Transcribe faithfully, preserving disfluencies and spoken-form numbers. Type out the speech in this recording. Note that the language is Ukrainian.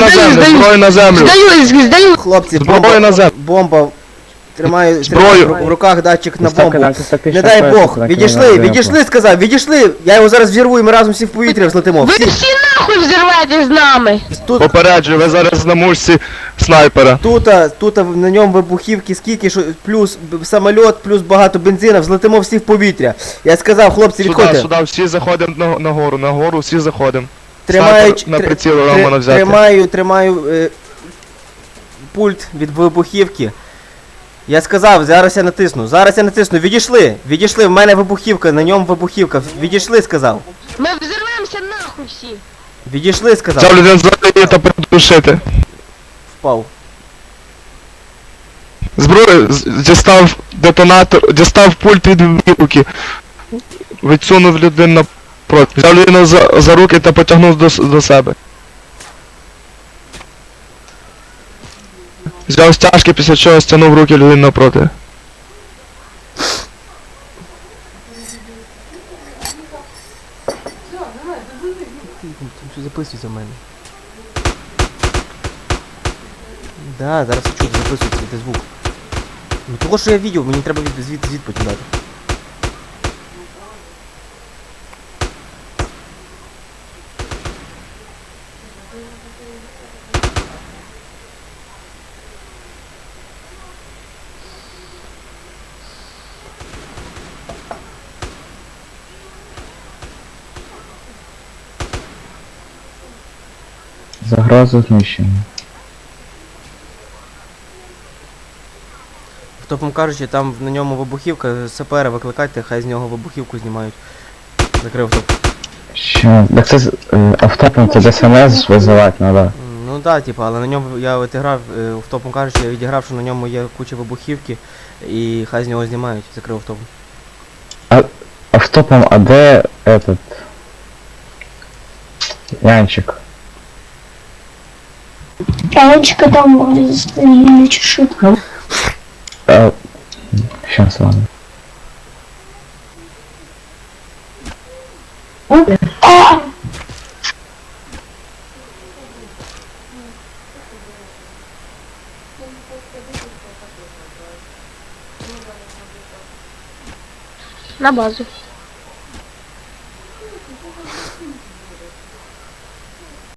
на здаю, землю, здаю. зброю на землю. Здаю, здаю. Хлопці, Зброю бомба, на землю. бомба. Тримаю, Зброю. тримаю в руках датчик на Ставка бомбу. антистатична Не дай пояса, Бог, так, відійшли, на відійшли, сказав, відійшли. Я його зараз взірву і ми разом всі в повітря взлетимо. Ви Всі. всі нахуй взірветесь з нами. Тут, Попереджую, ви зараз на мушці снайпера. тут, тут на ньому вибухівки скільки, що плюс б- самоліт, плюс багато бензина, взлетимо всі в повітря. Я сказав, хлопці, Сюди, відходьте. сюди, всі заходимо на, на гору, на гору всі заходимо. Тримаю, Снайпер на тр- приціл тр- Романа взяти. Тримаю, тримаю е, пульт від вибухівки. Я сказав, зараз я натисну, зараз я натисну, відійшли, відійшли, в мене вибухівка, на ньому вибухівка, відійшли, сказав. Ми взірвемося нахуй всі. Відійшли, сказав. Взяв людину задає та придушити. Впав. Зброю з- дістав детонатор, дістав пульт від вибухівки. Відсунув людину напроти. Взяв людину за, за руки та потягнув до, с- до себе. Взяв стяжки, після чого стягнув руки людини напроти. Що записується в мене? Да, зараз я чую, записується, йде звук. Ну того, що я відео, мені треба від, звід, звід потім дати. Загроза знищення. Втопом кажучи, там на ньому вибухівка, сапера викликайте, хай з нього вибухівку знімають. Закрив топ. Що? Так це з- е, автопом це ДСНС визивати треба. Ну да, типа, але на ньому я відіграв, е, втопом кажучи, я відіграв, що на ньому є куча вибухівки, і хай з нього знімають, закрив автопом. Автопом, а де этот... Янчик? Ранечка там вроде застрелили чешит. А... Щас, ладно. А! На базу.